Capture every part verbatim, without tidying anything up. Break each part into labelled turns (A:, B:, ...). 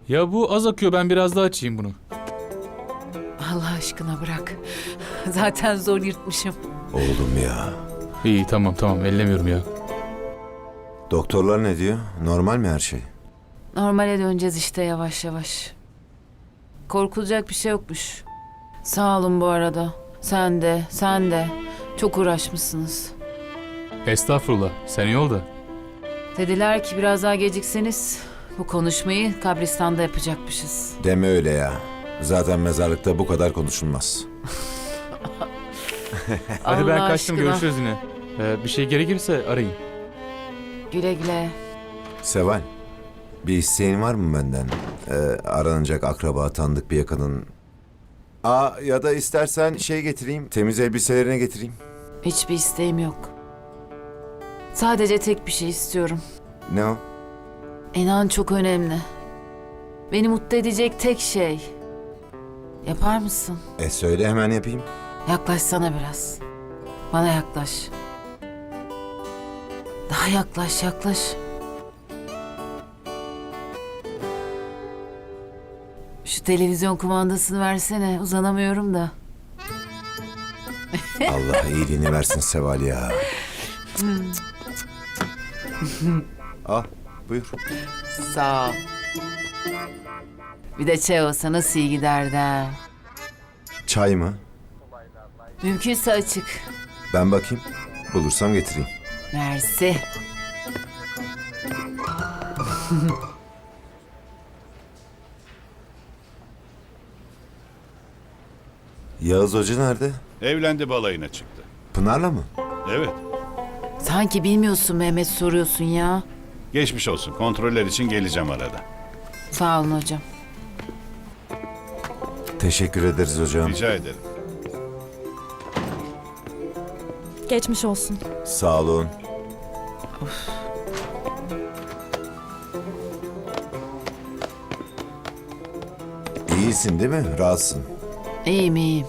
A: Ya bu az akıyor, ben biraz daha açayım bunu.
B: Allah aşkına bırak. Zaten zor yırtmışım.
C: Oğlum ya.
A: İyi tamam tamam ellemiyorum ya.
C: Doktorlar ne diyor? Normal mi her şey?
B: Normale döneceğiz işte yavaş yavaş. Korkulacak bir şey yokmuş. Sağ olun bu arada. Sen de, sen de. Çok uğraşmışsınız.
A: Estağfurullah, sen iyi ol da.
B: Dediler ki biraz daha gecikseniz bu konuşmayı kabristanda yapacakmışız.
C: Deme öyle ya. Zaten mezarlıkta bu kadar konuşulmaz.
A: Hadi ben
B: Allah
A: kaçtım,
B: aşkına.
A: görüşürüz yine. Ee, bir şey gerekirse arayın.
B: Güle güle.
C: Seval, bir isteğin var mı benden? Ee, aranacak akraba, tanıdık bir yakının. Aa, ya da istersen şey getireyim, temiz elbiselerini getireyim.
B: Hiçbir isteğim yok. Sadece tek bir şey istiyorum.
C: Ne o?
B: İnan çok önemli. Beni mutlu edecek tek şey. Yapar mısın?
C: E söyle hemen yapayım.
B: Yaklaşsana biraz. Bana yaklaş. Daha yaklaş, yaklaş. Şu televizyon kumandasını versene. Uzanamıyorum da.
C: Allah iyiliğini versin Seval ya. Al, buyur.
B: Sağ ol. Bir de çay olsa nasıl iyi giderdi ha.
C: Çay mı?
B: Mümkünse açık.
C: Ben bakayım. Bulursam getireyim.
B: Mersi.
C: Yağız Hoca nerede?
D: Evlendi, balayına çıktı.
C: Pınar'la mı?
D: Evet.
B: Sanki bilmiyorsun Mehmet, soruyorsun ya.
D: Geçmiş olsun. Kontroller için geleceğim arada.
B: Sağ olun hocam.
C: Teşekkür ederiz hocam.
D: Rica ederim.
E: Geçmiş olsun.
C: Sağ olun. İyisin değil mi? Rahatsın.
B: İyiyim iyiyim.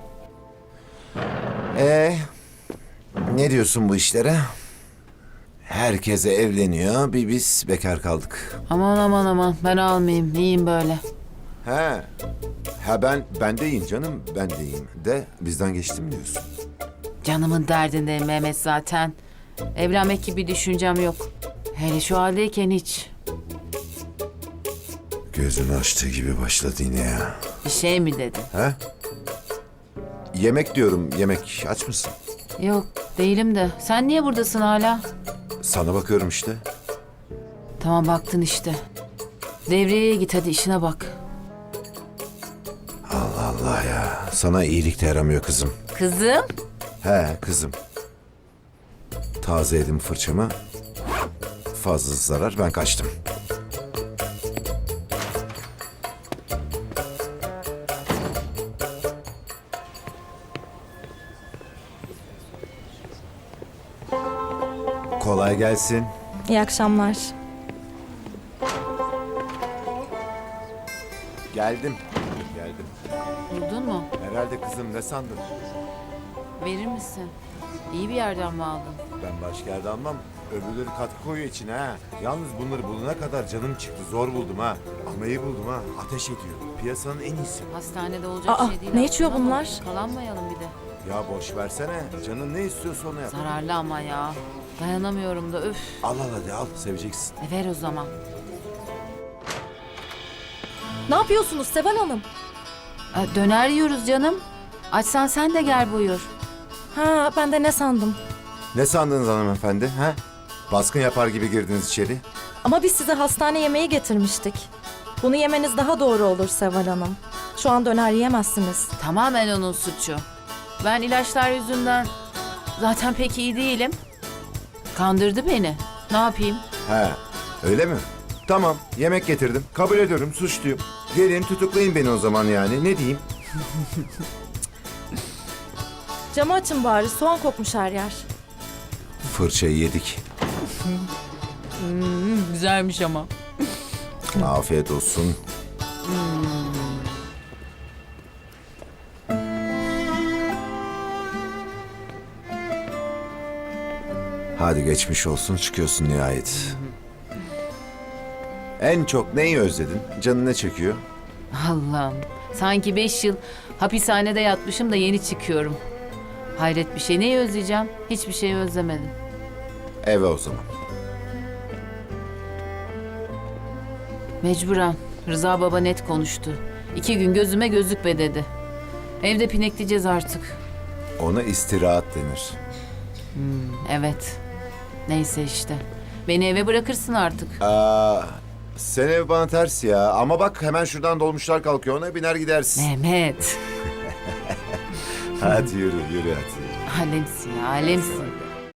C: Ee, ne diyorsun bu işlere? Herkese evleniyor, bir biz bekar kaldık.
B: Aman aman aman, ben almayayım. İyiyim böyle.
C: He, ha ben ben de iyiyim canım, ben de iyiyim. De bizden geçtim diyorsun.
B: Canımın derdindeyim Mehmet zaten. Evlenmek gibi düşüncem yok. Hele şu haldeyken hiç.
C: Gözünü açtığı gibi başladı yine ya.
B: Bir şey mi dedin?
C: He? Yemek diyorum, yemek. Aç mısın?
B: Yok, değilim de. Sen niye buradasın hala?
C: Sana bakıyorum işte.
B: Tamam, baktın işte. Devreye git hadi, işine bak.
C: Allah Allah ya. Sana iyilik de yaramıyor kızım.
B: Kızım.
C: He kızım. Taze edim fırçamı. Fazla zarar, ben kaçtım. Kolay gelsin.
E: İyi akşamlar.
C: Geldim. Geldim.
B: Buldun mu?
C: Herhalde kızım, ne sandın?
B: Verir misin? İyi bir yerden mi aldın?
C: Ben başka yerde almam. Öbürleri katkı koyuyor içine ha. Yalnız bunları bulana kadar canım çıktı. Zor buldum ha. Ama iyi buldum ha. Ateş ediyor. Piyasanın en iyisi.
B: Hastanede olacak
E: Aa,
B: şey değil.
E: ne içiyor
B: aslında ama
E: bunlar?
B: Kalanmayalım bir de.
C: Ya boş versene. Canın ne istiyorsa onu yap.
B: Zararlı ama ya. Dayanamıyorum da öf.
C: Al al hadi al. Seveceksin.
B: E ver o zaman.
E: Ne yapıyorsunuz Seval Hanım?
B: E, döner yiyoruz canım. Açsan sen de gel buyur.
E: Ha, ben de ne sandım.
C: Ne sandınız hanımefendi? Ha? Baskın yapar gibi girdiniz içeri.
E: Ama biz size hastane yemeği getirmiştik. Bunu yemeniz daha doğru olur Seval Hanım. Şu an döner yiyemezsiniz.
B: Tamamen onun suçu. Ben ilaçlar yüzünden zaten pek iyi değilim. Kandırdı beni. Ne yapayım?
C: He. Öyle mi? Tamam. Yemek getirdim. Kabul ediyorum. Suçluyum. Gelin tutuklayın beni o zaman yani. Ne diyeyim?
E: Camı açın bari, soğan kokmuş her yer.
C: Fırçayı yedik.
B: Güzelmiş ama.
C: Afiyet olsun. Hadi geçmiş olsun, çıkıyorsun nihayet. En çok neyi özledin? Canın ne çekiyor?
B: Allah'ım. Sanki beş yıl hapishanede yatmışım da yeni çıkıyorum. Hayret bir şey. Neyi özleyeceğim? Hiçbir şeyi özlemedim.
C: Eve o zaman.
B: Mecburen. Rıza baba net konuştu. İki gün gözüme gözükme dedi. Evde pinekleyeceğiz artık.
C: Ona istirahat denir.
B: Evet. Neyse işte. Beni eve bırakırsın artık.
C: Aa, sen ev bana ters ya. Ama bak hemen şuradan dolmuşlar kalkıyor. Ona biner gidersin.
B: Mehmet.
C: Hadi yürü yürü hadi.
B: Alemsin ya, alemsin.